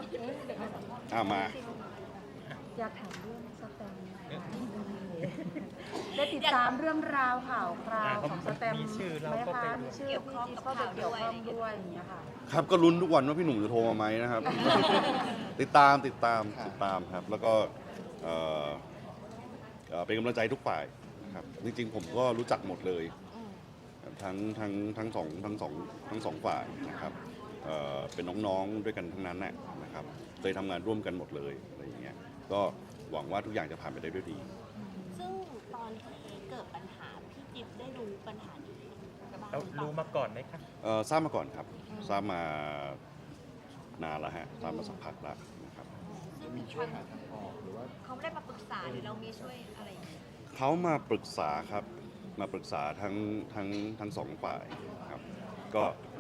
มาอยากถามเรื่องสแตมป์ได้ติดตามเรื่องราวข่าวคราวของสแตมป์ไหมคะมีชื่อพี่จิ๊บเข้าไปเกี่ยวข้องด้วยอย่างเงี้ยค่ะครับก็ลุ้นทุกวันว่าพี่หนุ่มจะโทรมาไหมนะครับ ติดตามครับแล้วก็เอ่อเป็นกำลังใจทุกฝ่ายนะครับจริงๆผมก็รู้จักหมดเลยทั้งสองฝ่ายนะครับเป็นน้องๆด้วยกันทั้งนั้นนะครับเคยทำงานร่วมกันหมดเลยอะไรอย่างเงี้ยก็หวังว่าทุกอย่างจะผ่านไปได้ด้วยดีซึ่งตอนที่เกิดปัญหาพี่จิ๊บได้รู้ปัญหานี้บ้างรู้มาก่อนไหมครับทราบมาก่อนครับทราบมานานแล้วฮะทราบมาสักพักแล้วนะครับซึ่งมีช่วยหาทางออกหรือว่าเขาไม่ได้มาปรึกษาหรือเรามีช่วยอะไรอย่างเงี้ยเขามาปรึกษาครับมาปรึกษาทั้งสองฝ่ายครับก็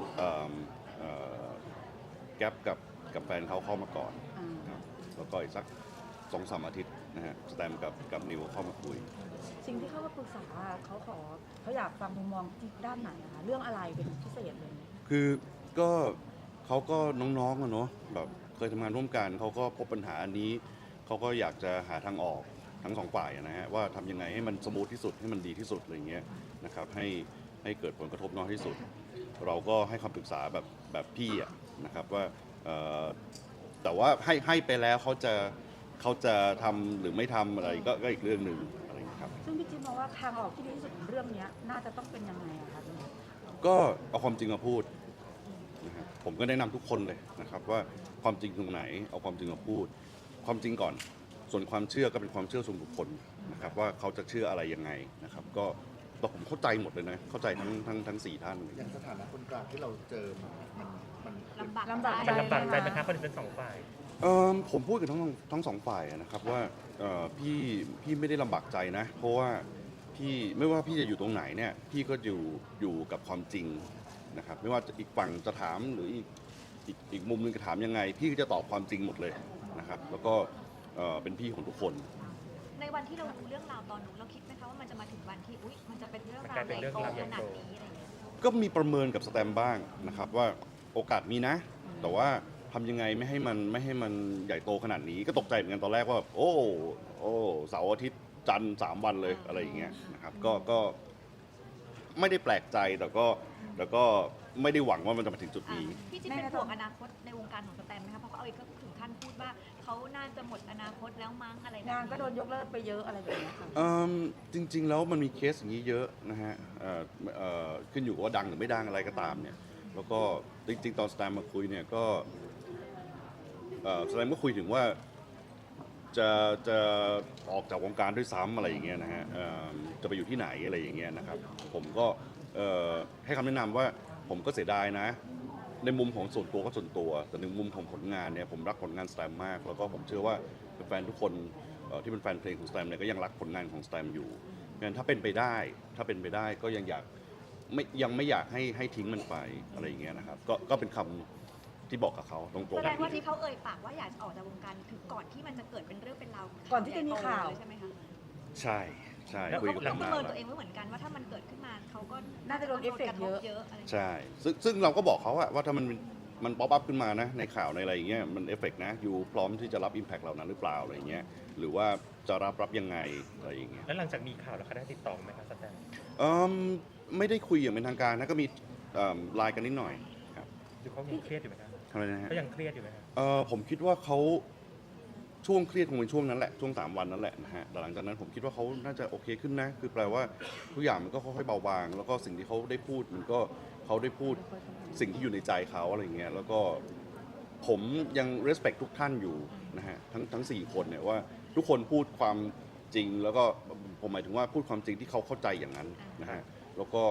แก๊ปกับแฟนเขาเข้ามาก่อนครับแล้วก็อีกสัก2-3 อาทิตย์นะฮะสแตมกับนิวเข้ามาคุยสิ่งที่เขามาปรึกษาเขาอยากฟังมุมมองที่ด้านไหนนะคะเรื่องอะไรเป็นพิเศษเลยคือก็เขาก็น้องๆอะเนาะแบบเคยทำงานร่วมกันเขาก็พบปัญหาอันนี้เขาก็อยากจะหาทางออกทั้งสองฝ่ายนะฮะว่าทำยังไงให้มันสมูทที่สุดให้มันดีที่สุดอะไรเงี้ยนะครับให้เกิดผลกระทบน้อยที่สุดเราก็ให้คำปรึกษาแบบพี่นะครับว่าแต่ว่าให้ไปแล้วเขาจะทำหรือไม่ทำอะไรก็อีกเรื่องหนึ่งอะไรครับซึ่งพี่จิ๊บมองว่าทางออกที่ดีที่สุดของเรื่องนี้น่าจะต้องเป็นยังไงอะคะก็เอาความจริงมาพูดนะครับผมก็แนะนำทุกคนเลยนะครับว่าความจริงตรงไหนเอาความจริงมาพูดความจริงก่อนส่วนความเชื่อก็เป็นความเชื่อส่วนบุคคลนะครับว่าเขาจะเชื่ออะไรยังไงนะครับก็ผมเข้าใจหมดเลยนะเข้าใจทั้ง4 ท่านอย่างสถานะคนกลางที่เราเจอมันลำบากใจไหมครับคนเป็นสองฝ่ายผมพูดกับทั้งสองฝ่ายนะครับว่าพี่ไม่ได้ลำบากใจนะเพราะว่าพี่ไม่ว่าพี่จะอยู่ตรงไหนเนี่ยพี่ก็อยู่กับความจริงนะครับไม่ว่าอีกฝั่งจะถามหรืออีกมุมนึงจะถามยังไงพี่ก็จะตอบความจริงหมดเลยนะครับแล้วก็เป็นพี่ของทุกคนในวันที่เรารู้เรื่องราวตอนนู้นเราคิดไหมคะว่ามันจะมาถึงวันที่มันจะเป็นเรื่องราวใหญ่โตขนาดนี้อะไรอย่างเงี้ยก็มีประเมินกับสแตมบ้างนะครับว่าโอกาสมีนะแต่ว่าทำยังไงไม่ให้มันใหญ่โตขนาดนี้ก็ตกใจเหมือนกันตอนแรกว่าโอ้เสาร์อาทิตย์จันทร์3 วันเลยอะไรอย่างเงี้ยนะครับก็ไม่ได้แปลกใจแต่ก็ไม่ได้หวังว่ามันจะมาถึงจุดนี้พี่จิ๊บเป็นห่วงอนาคตในวงการของสแตมไหมคะเพราะเขาก็ถึงขั้นพูดว่าเขาน่าจะหมดอนาคตแล้วมั้งอะไรงานก็โดนยกเลิกไปเยอะอะไรแบบนี้ค่ะจริงๆแล้วมันมีเคสอย่างนี้เยอะนะฮะขึ้นอยู่กับว่าดังหรือไม่ดังอะไรก็ตามเนี่ยแล้วก็จริงๆตอนสแตมมาคุยเนี่ยก็สแตมก็คุยถึงว่าจะออกจากวงการด้วยซ้ำอะไรอย่างเงี้ยนะฮะจะไปอยู่ที่ไหนอะไรอย่างเงี้ยนะครับผมก็ให้คำแนะนำว่าผมก็เสียดายนะในมุมของส่วนตัวก็ส่วนตัวแต่ในมุมของผลงานเนี่ยผมรักผลงานสแตมมากแล้วก็ผมเชื่อว่าแฟนทุกคนที่เป็นแฟนเพลงของสแตมเนี่ยก็ยังรักผลงานของสแตมอยู่งั้นถ้าเป็นไปได้ก็ยังไม่อยากให้ทิ้งมันไปอะไรอย่างเงี้ยนะครับก็เป็นคำที่บอกกับเขาตรงๆแสดงว่าที่เขาเอ่ยปากว่าอยากจะออกจากวงการคือก่อนที่มันจะเกิดเป็นเรื่องเป็นราวก่อนที่จะมีข่าวใช่ไหมคะใช่คุยกับเขาประเมินตัวเองไว้เหมือนกันว่าถ้ามันเกิดขึ้นมาเขาก็น่าจะโดนเอฟเฟกต์เยอะใช่ซึ่งเราก็บอกเขาว่าถ้ามันป๊อปอัพขึ้นมานะในข่าวในอะไรอย่างเงี้ยมันเอฟเฟกต์นะอยู่พร้อมที่จะรับอิมแพคเหล่านั้นหรือเปล่าอะไรอย่างเงี้ยหรือว่าจะรับยังไงอะไรอย่างเงี้ยแล้วหลังจากมีข่าวแล้วเขาได้ติดต่อไหมครับสแตมไม่ได้คุยอย่างเป็นทางการนะก็มีไลน์กันนิดหน่อยครับดูเขายังเครียดอยู่ไหมครับอะไรนะฮะเขายังเครียดอยู่ไหมครับผมคิดว่าเขาช่วงเครียดคงเป็นช่วงนั้นแหละช่วง3 วันนั้นแหละนะฮะแต่หลังจากนั้นผมคิดว่าเขาน่าจะโอเคขึ้นนะคือแปลว่าทุกอย่างมันก็ค่อยๆเบาบางแล้วก็สิ่งที่เขาได้พูดมันก็เขาได้พูดสิ่งที่อยู่ในใจเขาอะไรเงี้ยแล้วก็ผมยัง respect ทุกท่านอยู่นะฮะทั้ง4 คนเนี่ยว่าทุกคนพูดความจริงแล้วก็ผมหมายถึงว่าพูดความจริงที่เขาเข้าใจอย่างนั้นนะฮะแล้วก็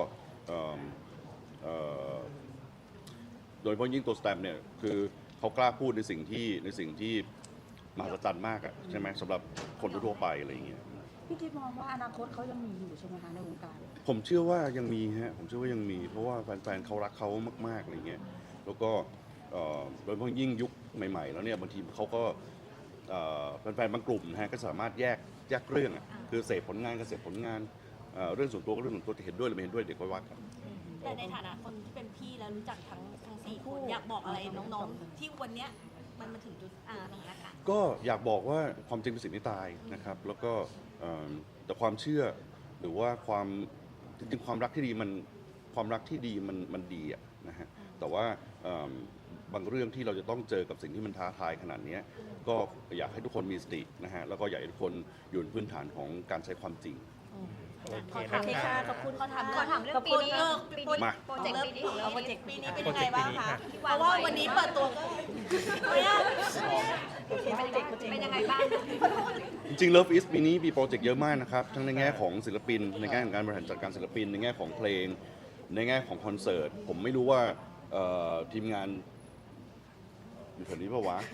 โดยเฉพาะยิ่งตัวสแตมเนี่ยคือเขากล้าพูดในสิ่งที่มหัศจรรย์มากอะใช่ไหมสำหรับคนทั่วไปอะไรอย่างเงี้ยพี่จิ๊บมองว่าอนาคตเขายังมีอยู่ใช่ไหมคะในวงการผมเชื่อว่ายังมีฮะผมเชื่อว่ายังมีเพราะว่าแฟนๆเขารักเขามากๆอะไรเงี้ยแล้วก็โดยเฉพาะยิ่งยุคใหม่ๆแล้วเนี่ยบางทีเขาก็แฟนๆบางกลุ่มนะฮะก็สามารถแยกเรื่องอะคือเสพผลงานก็เสพผลงานเรื่องส่วนตัวก็เรื่องส่วนตัวจะเห็นด้วยหรือไม่เห็นด้วยเดี๋ยวค่อยว่ากันแต่ในฐานะคนที่เป็นพี่แล้วรู้จักทั้ง4 คนอยากบอกอะไรน้องๆที่วันเนี้ยมันมาถึงจุดสถานการณ์ก็อยากบอกว่าความจริงเป็นสิ่งที่ตายนะครับ แล้วก็แต่ความเชื่อหรือว่าความจริงๆความรักที่ดีมันดีอะนะฮะแต่ว่าบางเรื่องที่เราจะต้องเจอกับสิ่งที่มันท้าทายขนาดนี้ก็อยากให้ทุกคนมีสตินะฮะแล้วก็อยากให้ทุกคนอยู่บนพื้นฐานของการใช้ความจริงโอเคขอนะถามคะขอบคุณขอถามขอถามเรื่องปีนี้มาโปรเจกต์ปีนี้ของเราโปรเจกต์ปีนี้เป็นยังไงบ้างคะที่เพวางราะว่าไว้วันนี้เปิดตัวก็ไม่ยากเป็นยังไงบ้างจริงๆ Love is ปีนี้มีโปรเจกต์เยอะมากนะครับ ทั้งในแง่ของศิลปิน ในแง่ของการบริหารจัดการศิลปิน ในแง่ของเพลง ในแง่ของคอนเสิร์ต ผมไม่รู้ว่าทีมงานอยู่แถวนี้ปะวะ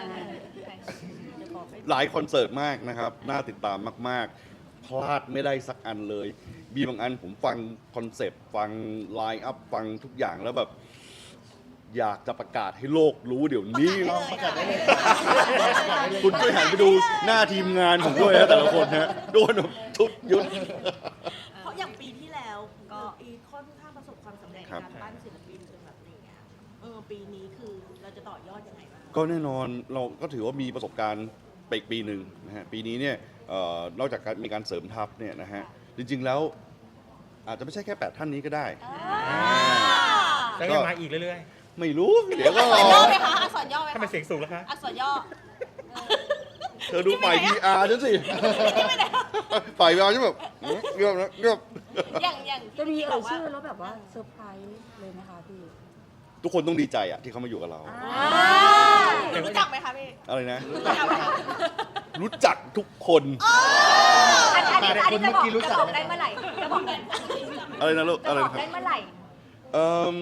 หลายคอนเสิร์ตมากนะครับ น่าติดตามมากๆ พลาดไม่ได้สักอันเลย มีบางอันผมฟังคอนเซปต์ ฟังไลน์อัพ ฟังทุกอย่างแล้วแบบ อยากจะประกาศให้โลกรู้เดี๋ยวนี้ประกาศได้เลยคุณช่วยหันไปดูหน้าทีมงานผมด้วยนะแต่ละคนนะโดนแบบทุบยุดเพราะอย่างปีที่แล้วก็อีค่อนข้างประสบความสำเร็จในครับการปั้นศิลปินจนแบบอะไรเงี้ยปีนี้คือเราจะต่อยอดยังไงบ้างก็แน่นอนเราก็ถือว่ามีประสบการณ์ไปอีกปีหนึ่งนะฮะปีนี้เนี่ยนอกจากการมีการเสริมทัพเนี่ยนะฮะจริงๆแล้วอาจจะไม่ใช่แค่ 8 ท่านนี้ก็ได้แล้วยังมาอีกเรื่อยไม่รู้เดี๋ยวก็อักษรย่อไหมคะอักษรย่อไหมๆคะทำไมเสียงสูงแล้วคะอักษรย่อเธอดูฝ่าย PR ฉันสิฝ่าย PR ฉันแบบเงียบนะเงียบอย่างจะมีที่เอ่ยว่าชื่อแล้วแบบว่าเซอร์ไพรส์เลยไหมคะพี่ทุกคนต้องดีใจอะที่เขามาอยู่กับเรารู้จักไหมคะพี่อะไรนะรู้จักไหมคะรู้จักทุกคนอันนี้จะบอกได้เมื่อไหร่จะบอกได้อะไรนะลูกจะอะไรบอกนะครับได้เมื่อไหร่เอ่ม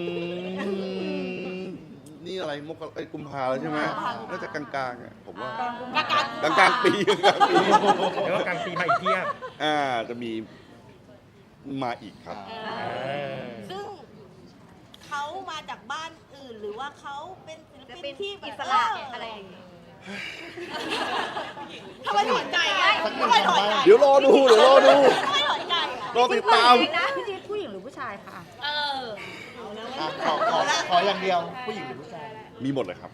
นี่อะไรกุมภาแล้วใช่ไหมน่าจะกลางๆอ่ะผมว่ากลางปีกลางปีเดี๋ยวว่ากลางปีมาอีกเพียบจะมีมาอีกครับซึ่งเขามาจากบ้านอื่นหรือว่าเขาเป็นศิลจะปิเป็นนที่อิสระอะไรอย่างเงี้ยทำไมถอนใจอ่ะทำไมถอนใจเดี๋ยวรอดูทำไมถอนใจอ่ะรอติดตามพี่จี๊ดผู้หญิงหรือผู้ชายคะเอาแล้วขออย่างเดียว ผู้หญิงหรือผู้ชายมีหมดเลยครับ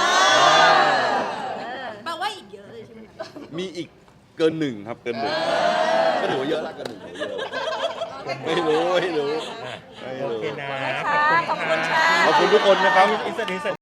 แปลว่าอีกเยอะเลยใช่ไหมคะมีอีกเกินหนึ่งครับ เกินหนึ่งก็ถือว่าเยอะละเกินหนึ่งถือว่าเยอะไม่รู้โอเคนะขอบคุณค่ะขอบคุณทุกคนนะครับอินเสิร์ต